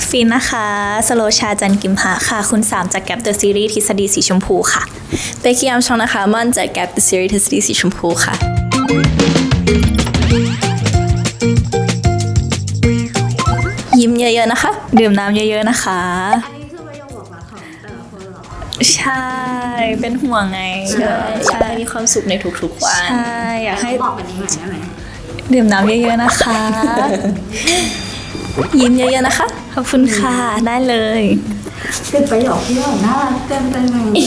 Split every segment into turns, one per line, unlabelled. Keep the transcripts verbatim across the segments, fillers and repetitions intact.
ฟินนะคะสโลชาจันกิมหะค่ะคุณสามจากแกปเดอะซีรีส์ทฤษฎีสีชมพูค่ะ
เบกกี้อัมชองนะคะม่อนจากแกปเดอะซีรีส์ทฤษฎีสีชมพูค่ะยิ้มเยอะๆนะคะ
ดื่มน้ำเยอะๆนะคะ
อันนี้คือประโยคบอกรักของแต่ละคนเหรอ
ใช่เป็นห่วงไง
ใช่อยากให้มีความสุขในทุกๆวัน
ใช่อยากให้
บอกแบบนี้หน่อยได้ไหม
ดื่มน้ำเยอะๆนะคะ
ยิ้มเยอะๆนะคะ
ขอบคุณค่ะได้เลย
เป็นประโยคที่แบบน่ารักเต็มไปหมด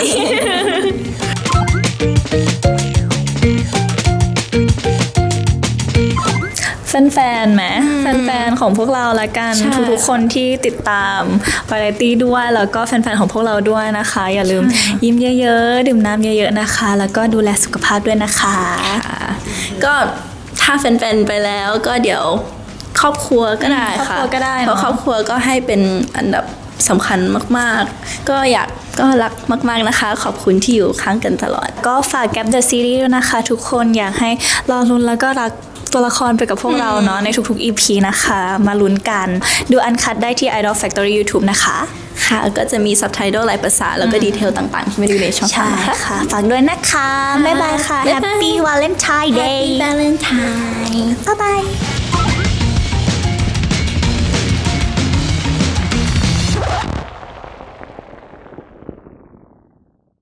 แฟนๆไหมแฟนๆของพวกเราละกันทุกๆคนที่ติดตามวาไรตี้ด้วยแล้วก็แฟนๆของพวกเราด้วยนะคะ อย่าลืมยิ้มเยอะๆดื่มน้ำเยอะๆนะคะ แล้วก็ดูแลสุขภาพด้วยนะคะ
ก็ถ้าแฟนๆไปแล้วก็เดี๋ยวครอบครัวก็ได้ค่ะ
ครอบครัวก็ได้เนอะ
เพราะครอบครัวก็ให้เป็นอันดับสำคัญมากๆก็อยากก็รักมากๆนะคะขอบคุณที่อยู่ข้างกันตลอด
ก็ฝากแกปเดอะซีรีส์ด้วยนะคะทุกคนอยากให้รอลุ้นแล้วก็รักตัวละครไปกับพวกเราเนาะในทุกๆ อี พี นะคะมาลุ้นกันดูอันคัดได้ที่ Idol Factory YouTube นะคะ
ค่ะก็จะมีซับไตเติลหลายภาษาแล้วก็ดีเทลต่างๆที่ไม่ได้อยู่ในช่องทา
ใช่
งนะคะ
ค่ะฝากด้วยนะคะบ๊ายบายค่ะ
บ๊ายบาย
Happy Valentine Day
Happy Valentine
บ๊ายบาย